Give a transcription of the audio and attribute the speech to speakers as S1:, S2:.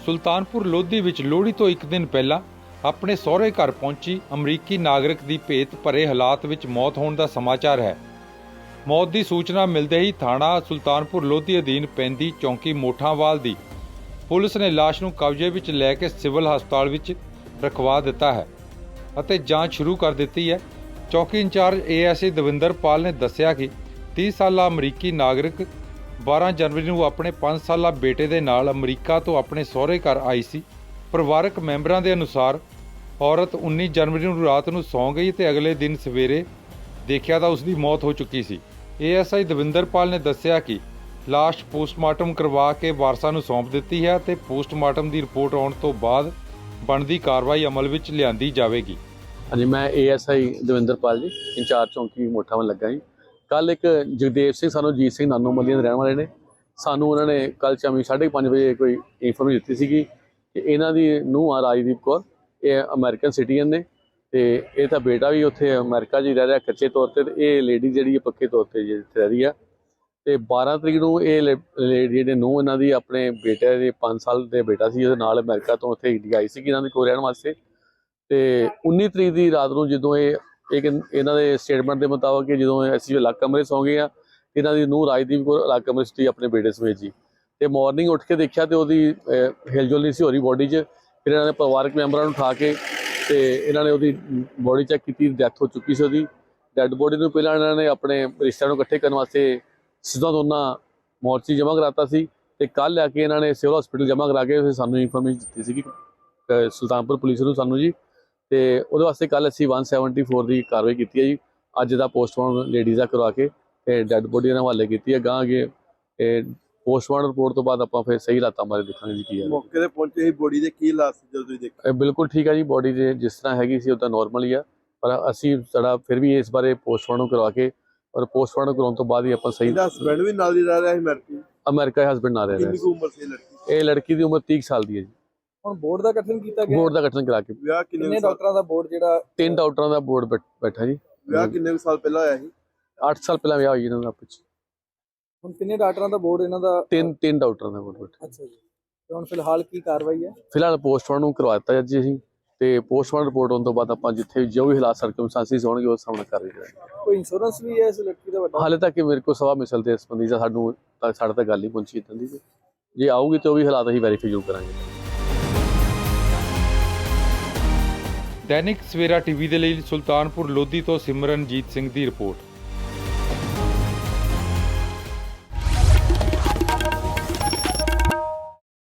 S1: ਸੁਲਤਾਨਪੁਰ ਲੋਧੀ ਵਿੱਚ ਲੋਹੜੀ ਤੋਂ ਇੱਕ ਦਿਨ ਪਹਿਲਾਂ ਆਪਣੇ ਸਹੁਰੇ ਘਰ ਪਹੁੰਚੀ ਅਮਰੀਕੀ ਨਾਗਰਿਕ ਦੀ ਭੇਤ ਭਰੇ ਹਾਲਾਤ ਵਿੱਚ ਮੌਤ ਹੋਣ ਦਾ ਸਮਾਚਾਰ ਹੈ। ਮੌਤ ਦੀ ਸੂਚਨਾ ਮਿਲਦੇ ਹੀ ਥਾਣਾ ਸੁਲਤਾਨਪੁਰ ਲੋਧੀ ਅਧੀਨ ਪੈਂਦੀ ਚੌਂਕੀ ਮੋਠਾਂਵਾਲ ਦੀ ਪੁਲਿਸ ਨੇ ਲਾਸ਼ ਨੂੰ ਕਬਜ਼ੇ ਵਿੱਚ ਲੈ ਕੇ ਸਿਵਲ ਹਸਪਤਾਲ ਵਿੱਚ ਰਖਵਾ ਦਿੱਤਾ ਹੈ ਅਤੇ ਜਾਂਚ ਸ਼ੁਰੂ ਕਰ ਦਿੱਤੀ ਹੈ। ਚੌਕੀ ਇੰਚਾਰਜ ASI ਦਵਿੰਦਰਪਾਲ ਨੇ ਦੱਸਿਆ ਕਿ 30 ਸਾਲਾ ਅਮਰੀਕੀ ਨਾਗਰਿਕ 12 ਜਨਵਰੀ ਨੂੰ ਆਪਣੇ 5 ਸਾਲਾ ਬੇਟੇ ਦੇ ਨਾਲ ਅਮਰੀਕਾ ਤੋਂ ਆਪਣੇ ਸਹੁਰੇ ਘਰ ਆਈ ਸੀ। ਪਰਿਵਾਰਕ ਮੈਂਬਰਾਂ ਦੇ ਅਨੁਸਾਰ ਔਰਤ 19 ਜਨਵਰੀ ਨੂੰ ਰਾਤ ਨੂੰ ਸੌਂ ਗਈ ਤੇ ਅਗਲੇ ਦਿਨ ਸਵੇਰੇ ਦੇਖਿਆ ਤਾਂ ਉਸ ਦੀ ਮੌਤ ਹੋ ਚੁੱਕੀ ਸੀ। ASI ਦਵਿੰਦਰਪਾਲ ਨੇ ਦੱਸਿਆ ਕਿ ਲਾਸ਼ ਪੋਸਟਮਾਰਟਮ ਕਰਵਾ ਕੇ ਵਾਰਸਾਂ ਨੂੰ ਸੌਂਪ ਦਿੱਤੀ ਹੈ ਤੇ ਪੋਸਟਮਾਰਟਮ ਦੀ ਰਿਪੋਰਟ ਆਉਣ ਤੋਂ ਬਾਅਦ ਬਣਦੀ ਕਾਰਵਾਈ ਅਮਲ ਵਿੱਚ ਲਿਆਂਦੀ ਜਾਵੇਗੀ।
S2: ਹਾਂਜੀ, ਮੈਂ ASI ਦਵਿੰਦਰਪਾਲ ਜੀ, ਇੰਚਾਰਜ ਚੌਂਕੀ ਮੋਠਾਂਵਾਲ ਲੱਗਾ ਜੀ। ਕੱਲ ਇੱਕ ਜਗਦੇਵ ਸਿੰਘ ਸਾਨੂੰ ਜੀਤ ਸਿੰਘ ਨਾਨੋ ਮੱਲੀਆਂ ਦੇ ਰਹਿਣ ਵਾਲੇ ਨੇ, ਸਾਨੂੰ ਉਹਨਾਂ ਨੇ ਕੱਲ ਸ਼ਾਮੀ 5:30 ਵਜੇ ਕੋਈ ਇਨਫੋਰਮੇਸ਼ਨ ਦਿੱਤੀ ਸੀਗੀ ਕਿ ਇਹਨਾਂ ਦੀ ਨੂੰਹ ਆ ਰਾਜਦੀਪ ਕੌਰ, ਇਹ ਅਮਰੀਕਨ ਸਿਟੀਜ਼ਨ ਨੇ ਤੇ ਇਹ ਤਾਂ ਬੇਟਾ ਵੀ ਉੱਥੇ ਅਮਰੀਕਾ 'ਚ ਹੀ ਰਹਿ ਰਿਹਾ ਕੱਚੇ ਤੌਰ 'ਤੇ, ਇਹ ਲੇਡੀ ਜਿਹੜੀ ਹੈ ਪੱਕੇ ਤੌਰ 'ਤੇ ਇੱਥੇ ਰਹਿ ਰਹੀ ਆ। ਤੇ 12 ਤਰੀਕ ਨੂੰ ਇਹ ਲੇਡੀ ਜਿਹੜੇ ਨੂੰਹ ਇਹਨਾਂ ਦੀ ਆਪਣੇ ਬੇਟੇ ਦੇ 5 ਸਾਲ ਦੇ ਬੇਟਾ ਸੀ ਉਹਦੇ ਨਾਲ ਅਮਰੀਕਾ ਤੋਂ ਉੱਥੇ ਇੰਡੀਆ ਆਈ ਸੀਗੀ ਇਹਨਾਂ ਦੇ ਕੋਲ ਰਹਿਣ ਵਾਸਤੇ। ਤੇ 19 ਤਰੀਕ ਦੀ ਰਾਤ ਨੂੰ ਜਦੋਂ ਇਹਨਾਂ ਦੇ ਸਟੇਟਮੈਂਟ ਦੇ ਮੁਤਾਬਕ ਕਿ ਜਦੋਂ ਅਸੀਂ ਅਲੱਗ ਕਮਰੇ ਸੌਂ ਗਏ ਆ, ਇਹਨਾਂ ਦੀ ਨੂੰਹ ਰਾਜਦੀਪ ਕੌਰ ਅਲੱਗ ਕਮਰੇ 'ਚ ਸੀ ਆਪਣੇ ਬੇਟੇ ਸਮੇਤ ਜੀ। ਤੇ ਮਾਰਨਿੰਗ ਉੱਠ ਕੇ ਦੇਖਿਆ ਤੇ ਉਹਦੀ ਹਿਲਜੁਲ ਨਹੀਂ ਸੀ ਹੋ ਰਹੀ ਬੋਡੀ 'ਚ। ਫਿਰ ਇਹਨਾਂ ਨੇ ਪਰਿਵਾਰਕ ਮੈਂਬਰਾਂ ਨੂੰ ਉਠਾ ਕੇ ਤੇ ਇਹਨਾਂ ਨੇ ਉਹਦੀ ਬੋਡੀ ਚੈੱਕ ਕੀਤੀ, ਡੈਥ ਹੋ ਚੁੱਕੀ ਸੀ ਉਹਦੀ। ਡੈੱਡ ਬੋਡੀ ਨੂੰ ਪਹਿਲਾਂ ਇਹਨਾਂ ਨੇ ਆਪਣੇ ਰਿਸ਼ਤਿਆਂ ਨੂੰ ਇਕੱਠੇ ਕਰਨ ਵਾਸਤੇ ਸਿੱਧਾ ਦੋਨਾਂ ਮੋਰਚੀ ਜਮ੍ਹਾਂ ਕਰਾਤਾ ਸੀ ਤੇ ਕੱਲ੍ਹ ਲੈ ਕੇ ਇਹਨਾਂ ਨੇ ਸਿਵਲ ਹਸਪੀਟਲ ਜਮ੍ਹਾਂ ਕਰਾ ਕੇ ਸਾਨੂੰ ਇਨਫੋਰਮੇਸ਼ਨ ਦਿੱਤੀ ਸੀਗੀ ਸੁਲਤਾਨਪੁਰ ਪੁਲਿਸ ਨੂੰ ਸਾਨੂੰ ਜੀ। ਤੇ ਉਹਦੇ ਵਾਸਤੇ ਕੱਲ੍ਹ ਅਸੀਂ 174 ਦੀ ਕਾਰਵਾਈ ਕੀਤੀ ਹੈ ਜੀ। ਅੱਜ ਦਾ ਪੋਸਟਮਾਰਟਮ ਲੇਡੀਜ਼ ਦਾ ਕਰਵਾ ਕੇ ਤੇ ਡੈੱਡ ਬੋਡੀ ਇਹਨਾਂ ਹਵਾਲੇ ਕੀਤੀ ਹੈ। ਗਾਂ ਅੱਗੇ ਪੋਸਟਮਾਰਟਮ ਰਿਪੋਰਟ ਤੋਂ ਬਾਅਦ ਆਪਾਂ ਫਿਰ ਸਹੀ ਹਾਲਾਤਾਂ ਬਾਰੇ ਦੇਖਾਂਗੇ ਜੀ ਕੀ ਹੈ।
S3: ਮੌਕੇ ਤੇ ਪਹੁੰਚੇ ਸੀ, ਬੋਡੀ ਦੇ ਕੀ ਹਾਲਾਤ ਸੀ ਜਦੋਂ ਤੁਸੀਂ ਦੇਖਿਆ?
S2: ਬਿਲਕੁਲ ਠੀਕ ਹੈ ਜੀ, ਬੋਡੀ ਦੇ ਜਿਸ ਤਰ੍ਹਾਂ ਹੈਗੀ ਸੀ ਉੱਦਾਂ ਨੋਰਮਲ ਹੀ ਆ, ਪਰ ਅਸੀਂ ਸਾਡਾ ਫਿਰ ਵੀ ਇਸ ਬਾਰੇ ਪੋਸਟਮਾਰਟਮ ਕਰਵਾ ਕੇ ਔਰ ਪੋਸਟਮਾਰਟਮ ਕਰਾਉਣ ਤੋਂ ਬਾਅਦ ਹੀ ਆਪਾਂ ਸਹੀ।
S3: ਇਹਦਾ ਹਸਬੈਂਡ ਵੀ ਨਾਲ ਹੀ ਰਹਿ ਰਿਹਾ ਸੀ
S2: ਅਮਰੀਕਾ ਹਸਬੈਂਡ ਨਾਲ ਰਹਿ ਰਿਹਾ
S3: ਕਿੰਨੀ
S2: ਸੀ।
S3: ਉਮਰ ਸੀ ਲੜਕੀ?
S2: ਇਹ ਲੜਕੀ ਦੀ ਉਮਰ 30 ਸਾਲ ਦੀ ਹੈ ਜੀ।
S4: ਹੁਣ ਬੋਰਡ ਦਾ ਗਠਨ ਕੀਤਾ ਗਿਆ,
S2: ਬੋਰਡ ਦਾ ਗਠਨ ਕਰਾ ਕੇ
S3: ਵਿਆਹ
S4: ਕਿੰਨੇ ਡਾਕਟਰਾਂ ਦਾ ਬੋਰਡ ਜਿਹੜਾ
S2: 3 ਡਾਕਟਰਾਂ ਦਾ ਬੋਰਡ ਬੈਠਾ ਜੀ।
S3: ਵਿਆਹ ਕਿੰਨੇ ਸਾਲ ਪਹਿਲਾਂ ਹੋਇਆ ਸੀ?
S2: 8 ਸਾਲ ਪਹਿਲਾਂ ਵਿਆਹ ਹੋਈ ਇਹਨਾਂ ਦਾ ਆਪਸ 'ਚ।
S4: ਹੁਣ ਕਿੰਨੇ ਡਾਕਟਰਾਂ ਦਾ ਬੋਰਡ ਇਹਨਾਂ ਦਾ?
S2: 3 ਡਾਕਟਰਾਂ ਦਾ ਬੋਰਡ ਬੈਠਾ।
S4: ਅੱਛਾ ਜੀ। ਤੇ ਹੁਣ ਫਿਲਹਾਲ ਕੀ ਕਾਰਵਾਈ ਹੈ?
S2: ਫਿਲਹਾਲ ਪੋਸਟਮਾਰਟਮ ਕਰਵਾ ਦਿੱਤਾ ਜੀ ਅਸੀਂ ਤੇ ਪੋਸਟਮਾਰਟਮ ਰਿਪੋਰਟ ਆਉਣ ਤੋਂ ਬਾਅਦ ਆਪਾਂ ਜਿੱਥੇ ਜੋ ਵੀ ਹਾਲਾਤ ਸਰਕਮਸਟੈਂਸਿਸ ਹੋਣਗੇ ਉਸ ਸਾਹਮਣੇ ਕਰ ਰਹੇ ਹਾਂ।
S4: ਕੋਈ ਇੰਸ਼ੋਰੈਂਸ ਵੀ ਹੈ ਇਸ ਲੜਕੀ ਦਾ ਵੱਡਾ?
S2: ਹਾਲੇ ਤੱਕ ਮੇਰੇ ਕੋਲ ਸਵਾ ਮਿਸਲ ਦੇ ਸੰਬੰਧੀ ਦਾ ਸਾਡੇ ਤੱਕ ਗੱਲ ਨਹੀਂ ਪਹੁੰਚੀ ਇੱਦਾਂ ਦੀ। ਜੇ ਆਊਗੀ ਤਾਂ ਉਹ ਵੀ ਹਾਲਾਤ ਅਸੀਂ ਵੈਰੀਫਾਈ ਜ਼ਰੂਰ ਕਰਾਂਗੇ।
S1: ਦੈਨਿਕ ਸਵੇਰਾ TV ਦੇ ਲਈ ਸੁਲਤਾਨਪੁਰ ਲੋਧੀ ਤੋਂ ਸਿਮਰਨਜੀਤ ਸਿੰਘ ਦੀ ਰਿਪੋਰਟ।